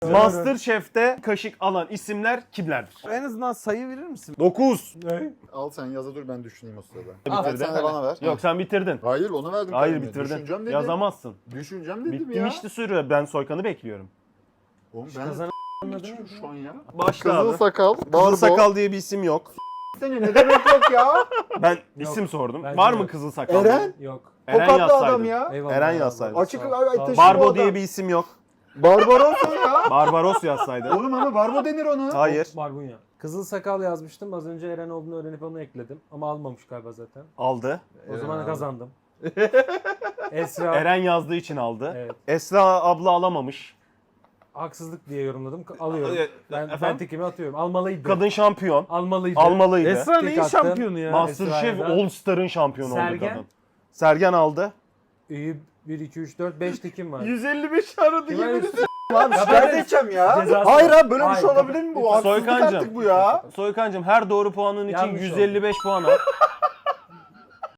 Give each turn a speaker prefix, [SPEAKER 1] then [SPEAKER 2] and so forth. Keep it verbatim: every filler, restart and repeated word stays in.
[SPEAKER 1] Masterchef'te kaşık alan isimler kimlerdir?
[SPEAKER 2] En azından sayı verir misin?
[SPEAKER 1] dokuz.
[SPEAKER 2] Ne?
[SPEAKER 3] Al sen yaza dur ben düşüneyim o sırada.
[SPEAKER 1] Bitirdin.
[SPEAKER 3] Sen de bana ver.
[SPEAKER 1] Yok sen bitirdin.
[SPEAKER 3] Hayır onu verdim.
[SPEAKER 1] Hayır
[SPEAKER 3] kendime.
[SPEAKER 1] bitirdin.
[SPEAKER 3] Düşüneceğim dedim.
[SPEAKER 1] Yazamazsın.
[SPEAKER 3] Düşüneceğim dedim
[SPEAKER 1] Bittim
[SPEAKER 3] ya.
[SPEAKER 1] işte süre. Ben Soykan'ı bekliyorum.
[SPEAKER 3] Oğlum ben
[SPEAKER 2] Kazanan
[SPEAKER 3] geçiyorum şu an ya.
[SPEAKER 1] Başla
[SPEAKER 3] Kızıl
[SPEAKER 1] abi.
[SPEAKER 3] sakal.
[SPEAKER 1] Kızıl
[SPEAKER 3] Barbo.
[SPEAKER 1] sakal diye bir isim yok.
[SPEAKER 3] Seni ne demek yok ya?
[SPEAKER 1] Ben isim sordum.
[SPEAKER 2] Bence
[SPEAKER 1] Var mı
[SPEAKER 2] yok.
[SPEAKER 1] kızıl sakal?
[SPEAKER 3] Eren.
[SPEAKER 2] Yok.
[SPEAKER 1] Eren
[SPEAKER 3] Tokatlı adam
[SPEAKER 1] yazsaydın.
[SPEAKER 3] ya.
[SPEAKER 2] Eyvallah.
[SPEAKER 1] Eren
[SPEAKER 2] abi.
[SPEAKER 1] yazsaydın.
[SPEAKER 3] Açık
[SPEAKER 2] Sağ ol,
[SPEAKER 3] ay-
[SPEAKER 2] sağ ol.
[SPEAKER 3] taşı-
[SPEAKER 1] Barbo
[SPEAKER 3] adam.
[SPEAKER 1] diye bir isim yok.
[SPEAKER 3] Barbaros o ya.
[SPEAKER 1] Barbaros yazsaydın.
[SPEAKER 3] Oğlum ama Barbo denir ona.
[SPEAKER 1] Hayır.
[SPEAKER 2] Barbunya. Kızıl sakal yazmıştım. Az önce Eren olduğunu öğrenip onu ekledim. Ama almamış galiba zaten.
[SPEAKER 1] Aldı.
[SPEAKER 2] O
[SPEAKER 3] Eren
[SPEAKER 2] zaman
[SPEAKER 3] abi.
[SPEAKER 2] kazandım. Esra.
[SPEAKER 1] Eren yazdığı için aldı.
[SPEAKER 2] Evet.
[SPEAKER 1] Esra abla alamamış.
[SPEAKER 2] Haksızlık diye yorumladım. Alıyorum.
[SPEAKER 1] E,
[SPEAKER 2] Ben, ben
[SPEAKER 1] efendim?
[SPEAKER 2] tikimi atıyorum. Almalıydı.
[SPEAKER 1] Kadın şampiyon.
[SPEAKER 2] Almalıydı.
[SPEAKER 1] Almalıydı.
[SPEAKER 2] Esra
[SPEAKER 4] Esra
[SPEAKER 2] Tek
[SPEAKER 4] neyin
[SPEAKER 2] attın.
[SPEAKER 4] şampiyonu ya?
[SPEAKER 1] Masterchef
[SPEAKER 2] Esra'dan.
[SPEAKER 1] All Star'ın şampiyonu oldu
[SPEAKER 2] Sergen.
[SPEAKER 1] kadın. Sergen aldı.
[SPEAKER 2] İyi. bir, iki, üç, dört, beş tikim var.
[SPEAKER 4] yüz elli beş aradı
[SPEAKER 2] Kime
[SPEAKER 4] yemin ederim.
[SPEAKER 3] Abi şikayet edeceğim ya.
[SPEAKER 2] Cezası
[SPEAKER 3] Hayır
[SPEAKER 2] var.
[SPEAKER 3] abi böyle bir
[SPEAKER 2] Hayır,
[SPEAKER 3] şey olabilir mi bu? Haksızlık
[SPEAKER 1] Soykancım.
[SPEAKER 3] artık bu ya.
[SPEAKER 1] Soykancım her doğru puanın için
[SPEAKER 2] Yanlış
[SPEAKER 1] yüz
[SPEAKER 2] oldu.
[SPEAKER 1] elli beş puan al.